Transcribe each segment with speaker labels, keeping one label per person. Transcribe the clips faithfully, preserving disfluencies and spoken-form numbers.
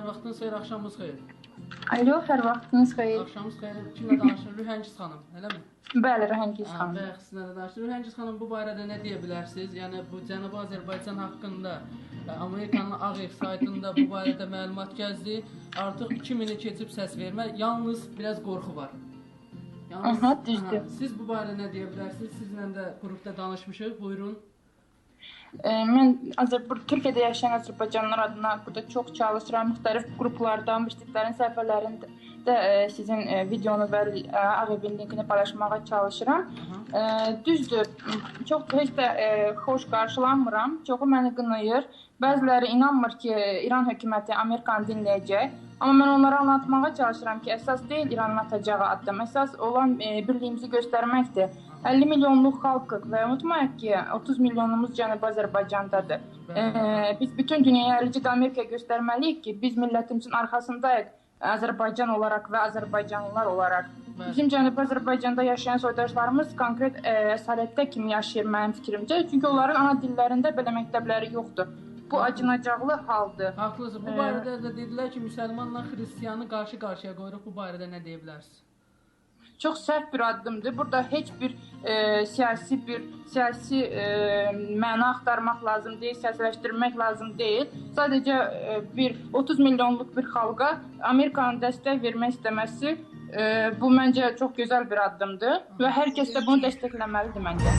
Speaker 1: Vaxtınız xeyir, axşamınız xeyir.
Speaker 2: Alo, hər vaxtınız xeyir.
Speaker 1: Axşamınız xeyir. Kimlə danışır? Rühəngiz xanım, eləmi?
Speaker 2: Bəli, Rühəngiz xanım.
Speaker 1: Bəli, sizinlə də danışır. Rühəngiz xanım, bu barədə nə deyə bilərsiniz? Yəni bu Cənubi Azərbaycan haqqında Amerikanın Ağ Ev saytında bu barədə məlumat gəzdi. Artıq iki mini keçib səs vermə. Yalnız biraz qorxu var.
Speaker 2: Yalnız, aha, düzdür.
Speaker 1: Siz bu barədə nə deyə bilərsiniz? Sizinlə də qrupda danışmışıq. Buyurun.
Speaker 2: Mən Türkiyədə yaşayan Azərbaycanlılar adına burada çox çalışıram. Müxtəlif qruplarda, müştəriklərin səhifələrində də sizin videonu və Ağ Evin linkini paylaşmağa çalışıram. Düzdür, çox heç də xoş qarşılanmıram. Çoxu məni qınayır. Bəziləri inanmır ki, İran hökuməti Amerikanı dinləyəcək. Amma mən onlara anlatmağa çalışıram ki, əsas deyil İranın atacağı addım. Əsas olan birliyimizi göstərməkdir. əlli milyonluq xalqıq və unutmayaq ki, otuz milyonumuz Cənubi Azərbaycandadır. Ee, biz bütün dünyaya eləcə də Amerikaya göstərməliyik ki, biz millətimizin arxasındayıq Azərbaycan olaraq və Azərbaycanlılar olaraq. Bizim Cənubi Azərbaycanda yaşayan soydaşlarımız konkret əsalətdə kimi yaşayır mənim fikrimcə. Çünki onların ana dillərində belə məktəbləri yoxdur. Bu acınacaqlı haldır.
Speaker 1: Haqlısınız. Bu barədə də dedilər ki, müsəlmanla xristiyanı qarşı-qarşıya qoyuruq. Bu barədə nə deyə bilərsiniz?
Speaker 2: Çox səhv bir addımdır. Burada heç bir e, siyasi bir siyasi e, məna axtarmaq lazım deyil, siyasiləşdirmək lazım deyil. Sadəcə e, bir otuz milyonluq bir xalqa Amerikanın dəstək vermək istəməsi e, bu məncə çox gözəl bir addımdır və hər kəs də bunu dəstəkləməlidir məncə.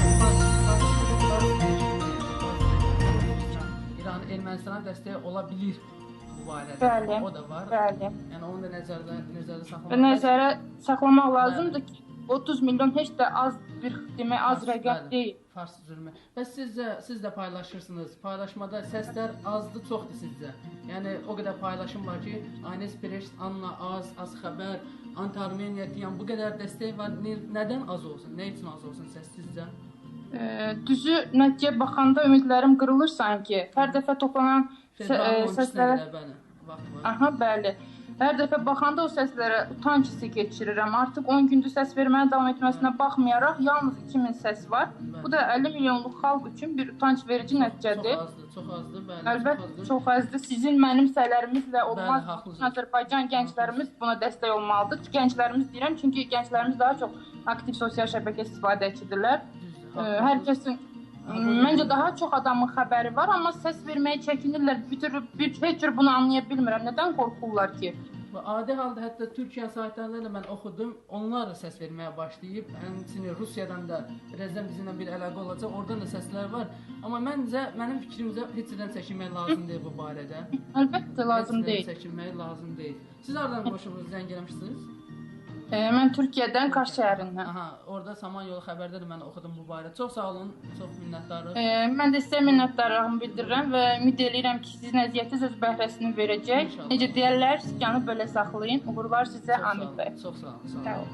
Speaker 1: İran Ermənistana dəstək ola bilir.
Speaker 2: Bəli,
Speaker 1: o da var.
Speaker 2: Bəli.
Speaker 1: Yəni onu da nəzərdə nəzərdə saxlamaq.
Speaker 2: Nəzərə saxlamaq lazımdır ki, otuz milyon heç də az bir demək az rəqəm deyil.
Speaker 1: Fars zülmü. Bəs sizcə siz də paylaşırsınız. Paylaşmada səslər azdır, çoxdur sizcə. Yəni o qədər paylaşım var ki, Aynes Pereş, Anna Az, Az Xəbər, Antarmeniya deyən bu qədər dəstək var. Nədən az olsun? Nə üçün az olsun səs sizcə?
Speaker 2: E, düzü nəticəyə baxanda ümidlərim qırılır sanki. Hər dəfə toplanan səslərə Aha, bəli. Hər dəfə baxanda o səslərə utanc hissi keçirirəm. Artıq on gündür səs verməyə davam etməsinə baxmayaraq yalnız iki min səs var. Bu da əlli milyonluq xalq üçün bir utanc verici nəticədir.
Speaker 1: Çox azdır, çox azdır, bəli.
Speaker 2: Əlbəttə, çox azdır. Sizin mənim sələrimizlə olmaz. Azərbaycan gənclərimiz buna dəstək olmalıdır. Gənclərimiz deyirəm, çünki gənclərimiz daha çox aktiv sosial şəbəkə istifadəçidirlər. Hər kəsin Məncə daha çox adamın xəbəri var, amma səs verməyə çəkinirlər. Bir heç cür bunu anlaya bilmirəm. Nədən qorxurlar ki?
Speaker 1: Adi halda hətta Türkiyə saytlarında da mən oxudum. Onlar da səs verməyə başlayıb. Həmçinin Rusiyadan da birazdan bizimlə bir əlaqə olacaq. Oradan da səslər var. Amma məncə, mənim fikrimcə heç nədən çəkinmək lazım deyil bu barədə.
Speaker 2: Əlbəttə lazım deyil.
Speaker 1: Heç nədən çəkinmək lazım deyil. Siz hardan qoşulmuş, zəng eləmişsiniz?
Speaker 2: E, mən Türkiyədən, Kars şəhərindən.
Speaker 1: Aha, orada Samanyolu xəbərdə də mən oxudum bu barədə. Çox sağ olun, çox minnətdarım.
Speaker 2: E, mən də sizə minnətdarlığımı bildirirəm və ümid edirəm ki, sizin əziyyətiniz öz bəhrəsini verəcək. İnşallah. Necə deyərlər, sikanı belə saxlayın. Uğurlar sizə, Hamid bəy.
Speaker 1: Çox sağ olun, sağ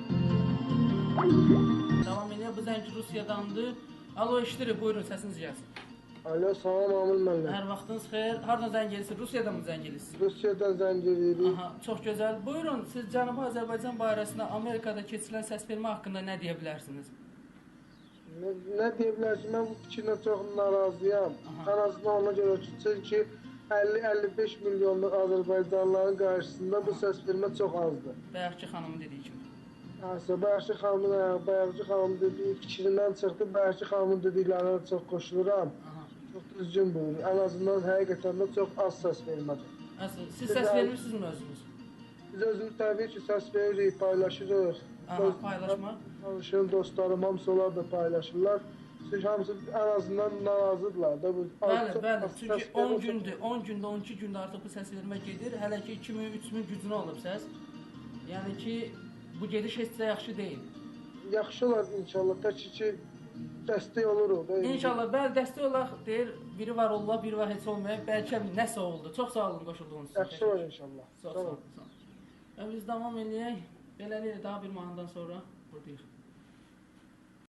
Speaker 1: olun. Davam edir, bu zəng Rusiyadandır. Alo, eşidirik, buyurun, səsiniz gəlsin.
Speaker 3: Alo, salam Amil mənlə.
Speaker 1: Hər vaxtınız xeyir. Hardan zəng edirsiniz? Rusiyadan mı zəng edirsiniz?
Speaker 3: Rusiyadan zəng edirik.
Speaker 1: Aha, çox gözəl. Buyurun, siz Cənubi Azərbaycan barəsində Amerikada keçirilən səsvermə haqqında nə deyə bilərsiniz?
Speaker 3: Nə, nə deyə bilərsiniz? Mən bu fikirlə çox narazıyam. Ən azından ona görə ki, çünki əlli əlli beş milyonluq Azərbaycanlıların qarşısında bu səsvermə çox azdır.
Speaker 1: Bayaqçı xanımın dediyi kimi.
Speaker 3: Həsə, Bayaqçı xanımın, Bayaqçı xanımın dediyi fikrindən çıxdı. Bayaqçı xanımın dediklərinə çox qoşuluram. Çox düzgün buyurur. Ən azından həqiqətən də çox az səs vermədir.
Speaker 1: Siz səs vermirsinizmi özünüz?
Speaker 3: Biz özümüz təbii ki, səs veririk, paylaşırıq.
Speaker 1: Aha, paylaşma.
Speaker 3: Tanışım, dostlarım, hamısı onlar da paylaşırlar. Çünki hamısı ən azından narazıdırlar da.
Speaker 1: Bəli, bəli. Çünki on gündür, on gündə, on iki gündə artıq bu səs vermə gedir. Hələ ki iki min, üç min gücünə alıb səs. Yəni ki, bu gediş heç də yaxşı deyil.
Speaker 3: Yaxşı olar inşallah, tək ki, dəstək oluruq.
Speaker 1: İnşallah, bəli, dəstək olaq deyir, biri var olurlar, biri var heç olmayaq, bəlkə nəsə oldu. Çox sağ olun qoşulduğunuz üçün.
Speaker 3: Yaxşı olur inşallah.
Speaker 1: Çox sağ olun. Biz davam edək, beləliklə daha bir mahnıdan sonra buradayıq.